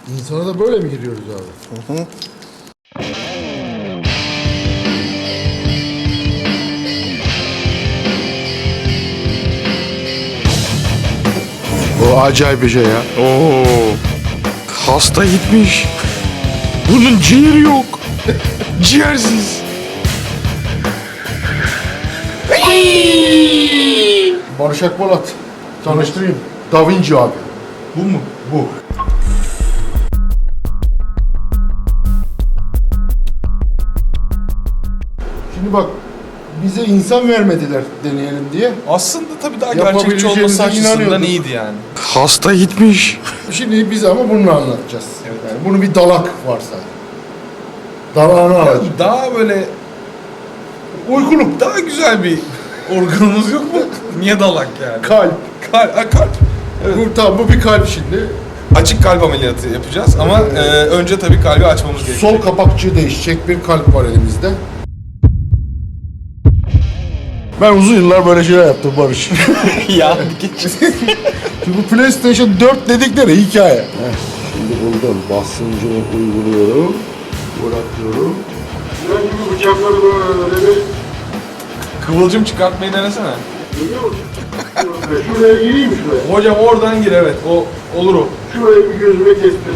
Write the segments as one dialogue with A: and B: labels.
A: İnsana da böyle mi giriyoruz abi?
B: Hı hı.
A: Bu acayip bir şey ya.
B: Oo. Hasta gitmiş. Bunun ciğeri yok. Ciğersiz.
A: Barış Akpolat. Tanıştırayım. Da Vinci abi.
B: Bu mu?
A: Bu. Şimdi bak, bize insan vermediler deneyelim diye.
C: Aslında tabii daha gerçekçi
A: Yapabileceğimize
C: olması açısından
A: inanıyorduk.
C: iyiydi yani.
B: Hasta gitmiş.
A: Şimdi biz ama bunu anlatacağız. Yani bunu bir dalak varsa. Dalağını alacağız.
C: Daha böyle
A: Uykuluk.
C: daha güzel bir organımız yok mu? Niye dalak yani?
A: Kalp.
C: Kalp.
A: Bu, tamam, bu bir kalp şimdi.
C: Açık kalp ameliyatı yapacağız ama önce tabii kalbi açmamız gerekiyor.
A: Sol kapakçığı değişecek bir kalp var elimizde. Ben uzun yıllar böyle şeyler yaptım Barış.
C: ya geç.
A: Şimdi bu PlayStation 4 dedikleri hikaye. Şimdi buldum. Basıncını uyguluyorum. Bırakıyorum. Ben gibi bıçakları böyle bir...
C: Kıvılcım çıkartmayı denesene.
A: Görüyor musun? Şuraya gireyim şuraya.
C: Hocam oradan gir, evet, o olur o.
A: Şurayı bir gözüme kestim.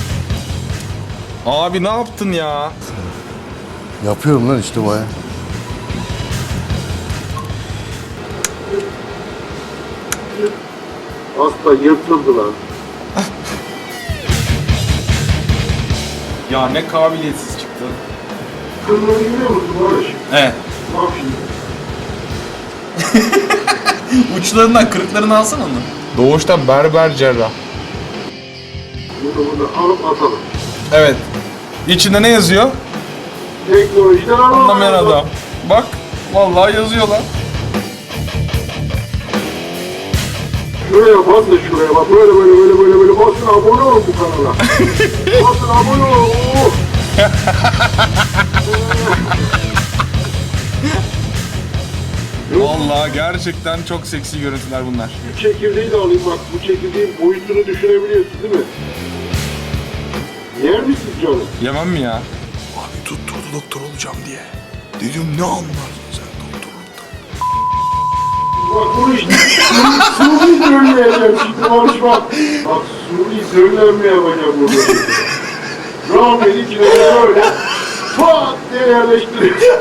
C: Abi ne yaptın ya?
A: Yapıyorum lan işte baya. Hasta yırtıldı lan.
C: Ya ne kabiliyetsiz çıktı.
A: Kırmızı görüyor musun Barış?
C: Evet.
A: Bak şimdi.
C: Uçlarından, kırıklarını alsana onu. Doğuştan berber cerrah.
A: Bunu alıp atalım.
C: Evet. İçinde ne yazıyor?
A: Teknolojiden
C: Anlamayan adam. Bak, vallahi yazıyor lan.
A: Şuraya bas da şuraya bak. Böyle basın, abone olun bu kanala. Basın, abone olun. Oh.
C: Vallahi gerçekten çok seksi görüntüler bunlar.
A: Bu çekirdeği de alayım bak. Bu çekirdeğin boyutunu düşünebiliyorsun değil mi? Yer misin canım?
C: Yemem mi ya?
B: Abi tutturdu doktor olacağım diye. Dedim ne anlarsın sen doktorluktan.
A: Bak bunu işte Suni söyleyeceğim şimdi Barış bak. Bak Suni söylenme yapacağım burada. Rahmet içine böyle pat diye yerleştireceğim.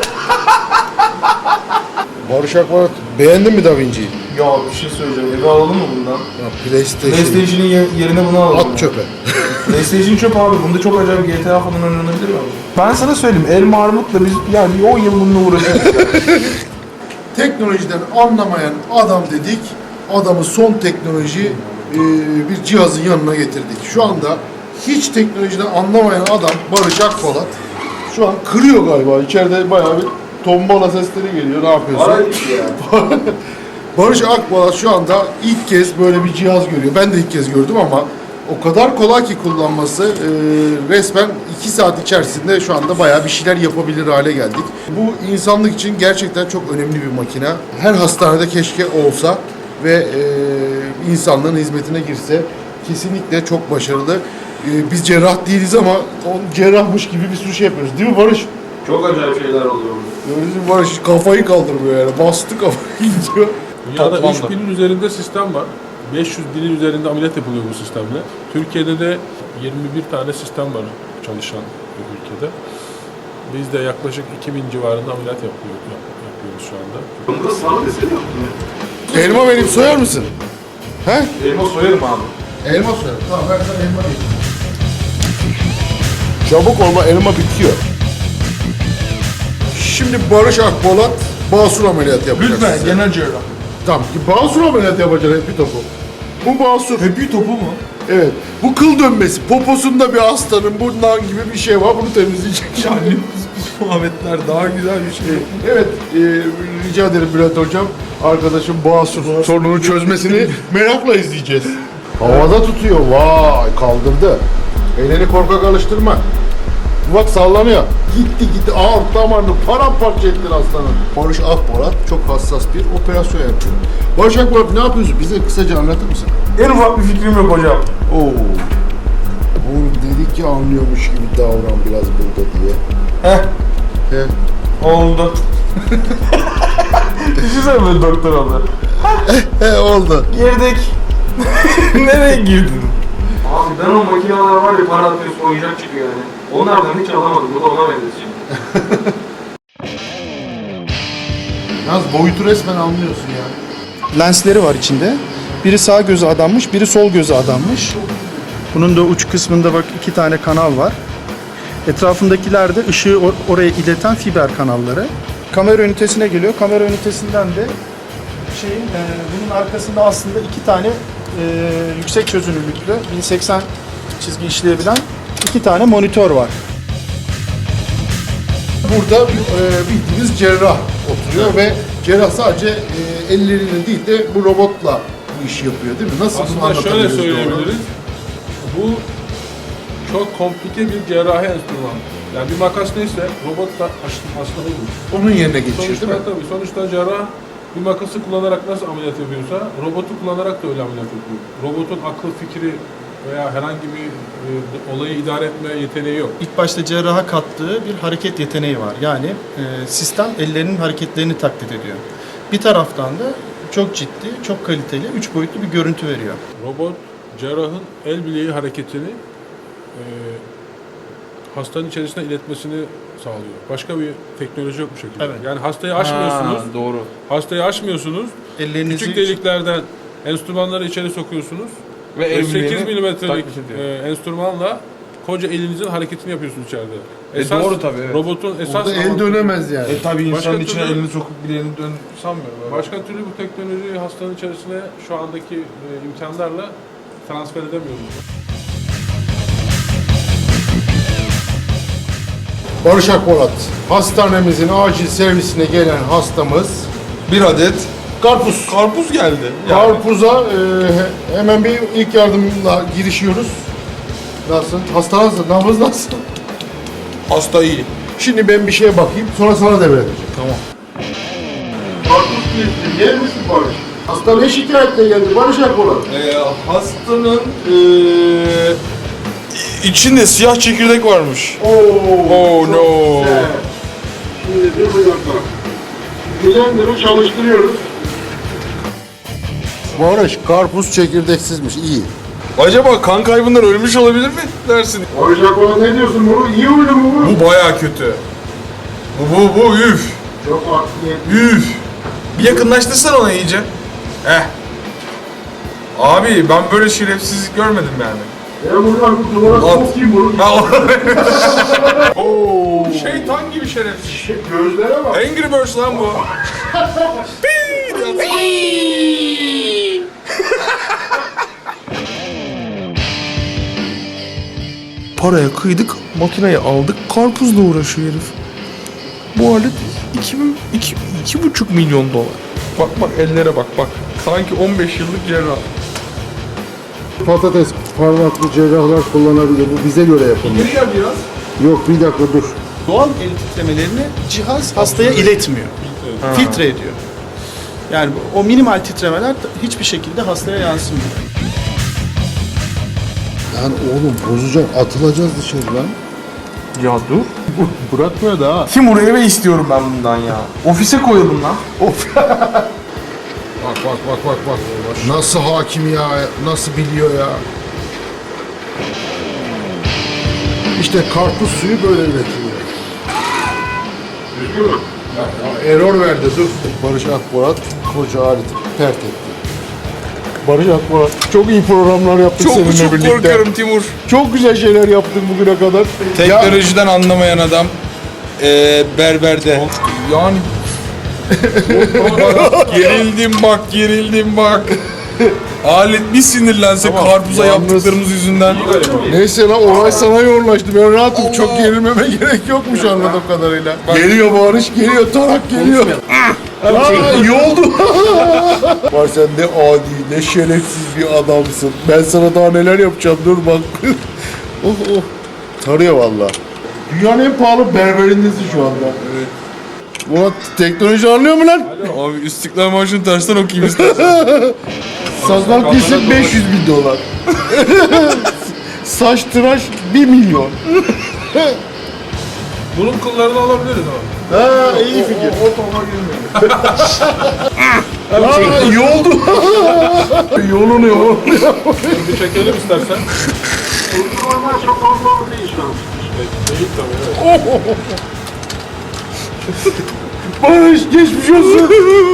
A: Barış Akpolat, beğendin mi Da Vinci'yi?
C: Ya bir şey söyleyeceğim. Eve alalım mı bundan?
A: Ya PlayStation.
C: PlayStation'ın yerine bunu alalım.
A: At çöpe.
C: PlayStation çöp abi. Bunda çok acayip GTA falan oynanabilir mi? Ben sana söyleyeyim. Elma Armut'la biz yani 10 yıl bununla uğraşıyoruz.
A: Teknolojiden anlamayan adam dedik. Adamı son teknoloji bir cihazın yanına getirdik. Şu anda hiç teknolojiden anlamayan adam Barış Akpolat şu an kırıyor galiba. İçeride bayağı bir tombala sesleri geliyor. Ne yapıyorsun? Barış Akpolat şu anda ilk kez böyle bir cihaz görüyor. Ben de ilk kez gördüm ama o kadar kolay ki kullanması, resmen 2 saat içerisinde şu anda bayağı bir şeyler yapabilir hale geldik. Bu insanlık için gerçekten çok önemli bir makine. Her hastanede keşke olsa ve insanlığın hizmetine girse. Kesinlikle çok başarılı. Biz cerrah değiliz ama cerrahmış gibi bir sürü şey yapıyoruz. Değil mi Barış?
C: Çok acayip şeyler oluyor burada.
A: Bizim Barış kafayı kaldırmıyor yani. Bastı kafayı gidiyor.
D: Dünyada
C: Toplamda.
D: 3000'in üzerinde sistem var. 500 binin üzerinde ameliyat yapılıyor bu sistemle. Türkiye'de de 21 tane sistem var çalışan bu ülkede. Biz de yaklaşık 2000 civarında ameliyat yapıyoruz şu anda.
C: Bunda sağlık eseri yok mu?
A: Elma vereyim, soyar mısın? He?
C: Elma soyarım abi.
A: Elma soyarım. Tamam, ben sana elma vereyim. Çabuk olma, elma bitiyor. Şimdi Barış Akpolat basur ameliyatı yapacak
C: Lütfen,
A: size.
C: genel cerrah.
A: Tamam, basur ameliyatı yapacak hepi topu. Bu basur.
C: Hepi topu mu?
A: Evet. Bu kıl dönmesi. Poposunda bir hastanın bundan gibi bir şey var. Bunu temizleyecek.
C: Yani bu muhabbetler daha güzel bir şey.
A: Evet, rica ederim Bülent Hocam. Arkadaşım Basur sorununu çözmesini merakla izleyeceğiz. Havada tutuyor. Vay, kaldırdı. Elini korkak alıştırma. Bak sallanıyor. Gitti. Ağır damarını paramparça ettin aslanım. Barış Akpolat çok hassas bir operasyon yapıyor. Barış Akpolat ne yapıyorsun? Bize kısaca anlatır mısın?
C: En ufak bir fikrim yok hocam.
A: Oo. Bu sanki anlıyormuş gibi davran biraz burada diye.
C: Heh.
A: He.
C: Oldu. Düşünsene böyle doktor oldu.
A: He oldu.
C: Girdik. Nereye girdin? Abi ben o makineler var ya para atıyorsun oyuncak çıkıyor yani. Onlardan hiç alamadım. Bu da ona benzesin.
A: Yalnız boyutu resmen anlıyorsun ya.
E: Lensleri var içinde. Biri sağ göze adanmış, biri sol göze adanmış. Bunun da uç kısmında bak 2 tane kanal var. Etrafındakiler de ışığı oraya ileten fiber kanalları. Kamera ünitesine geliyor. Kamera ünitesinden de bunun arkasında aslında 2 tane yüksek çözünürlüklü 1080 çizgi işleyebilen 2 tane monitör var.
A: Burada bildiğimiz cerrah oturuyor ve cerrah sadece elleriyle değil de bu robotla bu işi yapıyor değil mi? Nasıl bunu
D: Aslında şöyle
A: anlatabiliriz
D: söyleyebiliriz. Bu çok komplike bir cerrahi enstrüman. Yani bir makas neyse robot da aslında olur.
A: Onun yerine geçiyor
D: Sonuçta
A: değil mi?
D: tabii. Sonuçta cerrah bir makası kullanarak nasıl ameliyat yapıyorsa robotu kullanarak da öyle ameliyat yapıyor. Robotun akıl fikri veya herhangi bir olayı idare etme yeteneği yok.
E: İlk başta cerraha kattığı bir hareket yeteneği var. Yani sistem ellerinin hareketlerini taklit ediyor. Bir taraftan da çok ciddi, çok kaliteli, 3 boyutlu bir görüntü veriyor.
D: Robot cerrahın el bileği hareketini hastanın içerisine iletmesini sağlıyor. Başka bir teknoloji yok bu şekilde.
E: Evet.
D: Yani hastayı aşmıyorsunuz.
C: Doğru.
D: Hastayı aşmıyorsunuz.
E: Ellerinizi
D: Küçük deliklerden enstrümanları içeri sokuyorsunuz.
C: Ve el
D: 8
C: bileğini
D: milimetrelik
C: taklit ediyor.
D: enstrümanla koca elinizin hareketini yapıyorsunuz içeride.
C: Doğru tabii, evet.
D: Robotun esas
A: Orada el
D: avantajı-
A: dönemez yani.
C: Tabii
D: Başka
C: insanın içine
D: türlü-
C: elini sokup bileğini dön sanmıyorum. Öyle.
D: Başka türlü bu teknolojiyi hastanın içerisine şu andaki imkanlarla transfer edemiyoruz.
A: Barış Akpolat, hastanemizin acil servisine gelen hastamız
C: Bir adet
A: karpuz.
C: karpuz geldi.
A: Karpuza hemen bir ilk yardımla girişiyoruz. Nasıl? Hasta nasıl? Nabız nasıl?
C: Hasta iyi.
A: Şimdi ben bir şeye bakayım, sonra sana devredeceğim.
C: Tamam.
A: Karpuz kilitli, yer misin Barış? Hasta ne şikayetle geldi Barış Akpolat?
C: Hastanın içinde siyah çekirdek varmış. Oh no.
A: Güzel. Şimdi dur bir dakika. Blender'ı çalıştırıyoruz. Barış, karpuz çekirdeksizmiş, iyi.
C: Acaba kan kaybından ölmüş olabilir mi dersin?
A: Barış Akpolat ne diyorsun bunu? İyi oyunu mu bu?
C: Bu bayağı kötü. Bu üf.
A: Çok akliyetli.
C: Üf. Bir yakınlaştırsan ona iyice. Abi ben böyle şerefsizlik görmedim yani.
A: Ben buradan bu duvara sokayım bunu.
C: Oo. Şeytan gibi şerefsiz.
A: Gözlere bak.
C: Angry Birds lan bu. Paraya kıydık, makineyi aldık, karpuzla uğraşıyor herif. Bu alet 2,5 milyon dolar. Bak ellere bak. Sanki 15 yıllık cerrah.
A: Patates parmaklı cerrahlar kullanabilir. Bu bize göre yapılmış.
C: Gel biraz.
A: Yok bir dakika dur.
E: doğal el titremelerini cihaz hastaya iletmiyor. Filtre ediyor. Yani o minimal titremeler hiçbir şekilde hastaya yansımıyor.
A: Lan oğlum bozacak, atılacağız dışarı lan.
C: Ya dur.
A: Bırakmıyor da ha.
C: Timur eve istiyorum ben bundan ya. Ofise koyalım lan.
A: Bak. Nasıl hakim ya, nasıl biliyor ya. İşte karpuz suyu böyle üretiliyor. Düzgün mü? Error verdi, dur. Barış Akpolat koca aleti pert etti. Barış Akpolat çok iyi programlar yaptık seninle birlikte.
C: korkuyorum Timur.
A: Çok güzel şeyler yaptık bugüne kadar. Ya,
C: Teknolojiden anlamayan adam berberde. Yani gerildim bak. Alet bir sinirlense karpuza
A: yalnız-
C: yaptıklarımız yüzünden.
A: neyse lan olay sana yoğunlaştı. Ben rahatım. Çok gerilmeme gerek yokmuş anladığım kadarıyla. Geliyor Barış, geliyor. Tarak geliyor. İyi oldu. Var sen ne adi, ne şerefsiz bir adamsın. Ben sana daha neler yapacağım. Dur bak. Oh. Tarıyor valla. Dünyanın en pahalı berberindesin şu anda. Evet. Murat teknoloji anlıyor mu lan?
C: Abi İstiklal Marşı'nı tersten okuyayım istersen.
A: Sakal kesin 500.000 dolar. saç tıraş 1 milyon.
D: Bunun kıllarını alabiliriz ama.
A: Ha iyi fikir.
D: O topa girmiyor.
A: Aa, iyi oldu. Yolunuyor.
D: Bir çekelim istersen.
F: Normal çok fazla değil şu an.
D: Değil tabii evet.
A: Barış geçmiş olsun.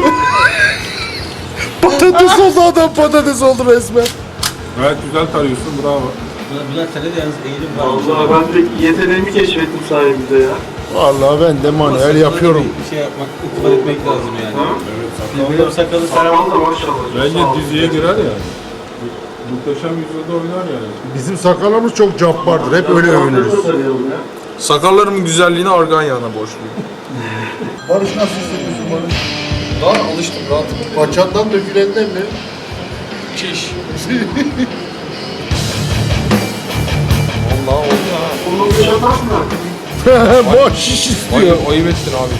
A: Patates oldu adam, patates oldu resmen.
D: Gayet güzel tarıyorsun, bravo.
G: Bülent sende de yalnız eğilim var.
F: Allah ben de yeteneğimi keşfettim sayemizde ya.
A: Vallahi ben de manuel yapıyorum.
G: Bir şey yapmak, itibar etmek lazım yani.
F: Ha?
G: Benim sakalı
F: Sakal da maşallah.
D: Bence
F: Sağ ol.
D: diziye girer ya. Muhteşem Yüzyılda oynar yani.
A: Bizim sakallarımız çok cabbardır. Hep öyle övünürüz.
F: Sakal da tarayalım ya.
C: Sakallarımın güzelliğini argan yağına borçluyum.
A: Barış nasıl hissediyorsun Barış?
C: Daha alıştım rahatım.
A: Paçandan dökülenden mi?
C: Çiş. Vallahi oldu ha.
F: Bunu bir yatak mı?
A: Boş şiş istiyor.
C: Ayıp ettin abi.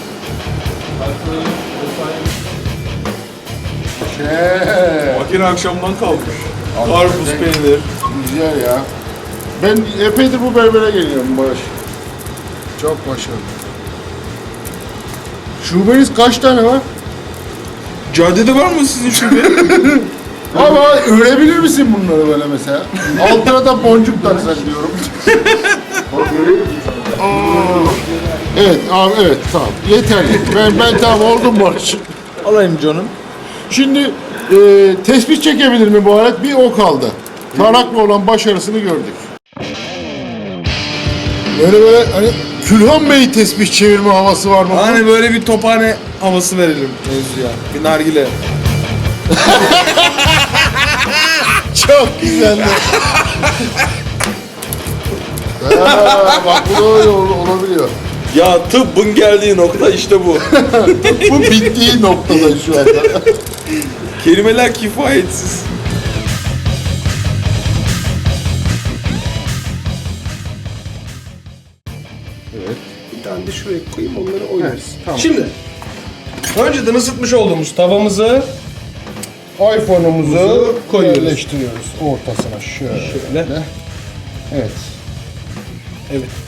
B: Makine akşamdan kalkmış. Karpuz peynir.
A: Güzel ya. Ben epeydir bu berbere geliyorum Barış. Çok başarılı. Şubeniz kaç tane var?
C: Caddede var mı sizin şube?
A: Ama örebilir misin bunları böyle mesela? Altına da boncuk taksan diyorum. Evet abi evet tamam yeterli. Ben tamam oldum Barış.
C: Alayım canım.
A: Şimdi tespih çekebilir mi bu alet? Bir o kaldı. Tarakla olan başarısını gördük. Böyle hani Külhan Bey tespih çevirme havası var mı?
C: Hani böyle bir tophane havası verelim mevzuya. Bir nargile.
A: Çok güzeldi. Bak bu da öyle olabiliyor.
C: Ya tıbbın geldiği nokta işte bu.
A: Bu bittiği noktada şu anda.
C: Kelimeler kifayetsiz.
H: Bir tane de şuraya koyayım onları oynarız.
A: tamam.
H: Şimdi önceden ısıtmış olduğumuz tavamızı
A: iPhone'umuzu
H: koyuyoruz.
A: yerleştiriyoruz ortasına şöyle.
H: şöyle.
A: Evet.
H: Evet.